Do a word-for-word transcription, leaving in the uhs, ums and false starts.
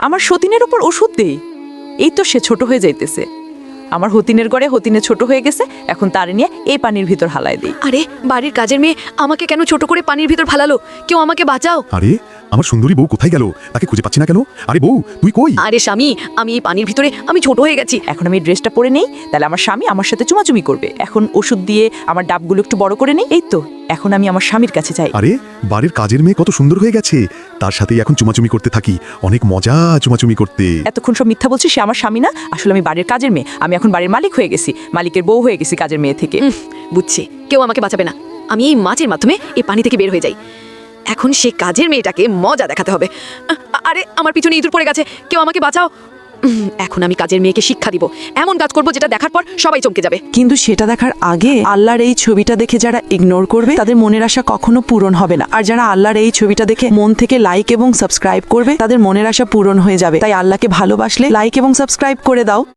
আমার সতীনের উপর ওষুধ দেই। এই তো সে ছোট হয়ে যাইতেছে। আমার হতিনের গড়ে হতিনে ছোট হয়ে গেছে, এখন তারে নিয়ে এই পানির ভিতর হালায় দিই। আরে বাড়ির কাজের মেয়ে আমাকে কেন ছোট করে পানির ভিতর ফালালো? কেউ আমাকে বাঁচাও। আরে আমার সুন্দরী বউ কোথায় গেল? তাকে খুঁজে পাচ্ছি না কেন? আরে বউ তুই কই? আরে স্বামী, আমি এই পানির ভিতরে আমি ছোট হয়ে গেছি। এখন আমি ড্রেসটা পরে নেই, তাহলে আমার স্বামী আমার সাথে চুমাচুমি করবে। এখন ওষুধ দিয়ে আমার ডাবগুলো একটু বড় করে নেই। এই তো এখন আমি আমার স্বামীর কাছে যাই। আরে বাড়ির কাজের মেয়ে কত সুন্দর হয়ে গেছে, তার সাথেই এখন চুমাচুমি করতে থাকি। অনেক মজা চুমাচুমি করতে। এতক্ষণ সব মিথ্যা বলছি, সে আমার স্বামী না, আসলে আমি বাড়ির কাজের মেয়ে। আমি এখন বাড়ির মালিক হয়ে গেছি, মালিকের বউ হয়ে গেছি কাজের মেয়ে থেকে। উম, বুঝছি, কেউ আমাকে বাঁচাবে না। আমি এই মাছের মাধ্যমে এই পানি থেকে বের হয়ে যাই। এখন সে কাজের মেয়েটাকে মজা দেখাতে হবে। আ- আরে আমার পিছনে ইঁদুর পড়ে গেছে, কেউ আমাকে বাঁচাও। উম, এখন আমি কাজের মেয়েকে শিক্ষা দিব, এমন কাজ করব যেটা দেখার পর সবাই চমকে যাবে। কিন্তু সেটা দেখার আগে আল্লাহর এই ছবিটা দেখে যারা ইগনোর করবে তাদের মনের আশা কখনো পূরণ হবে না। আর যারা আল্লাহর এই ছবিটা দেখে মন থেকে লাইক এবং সাবস্ক্রাইব করবে তাদের মনের আশা পূরণ হয়ে যাবে। তাই আল্লাহকে ভালোবাসলে লাইক এবং সাবস্ক্রাইব করে দাও।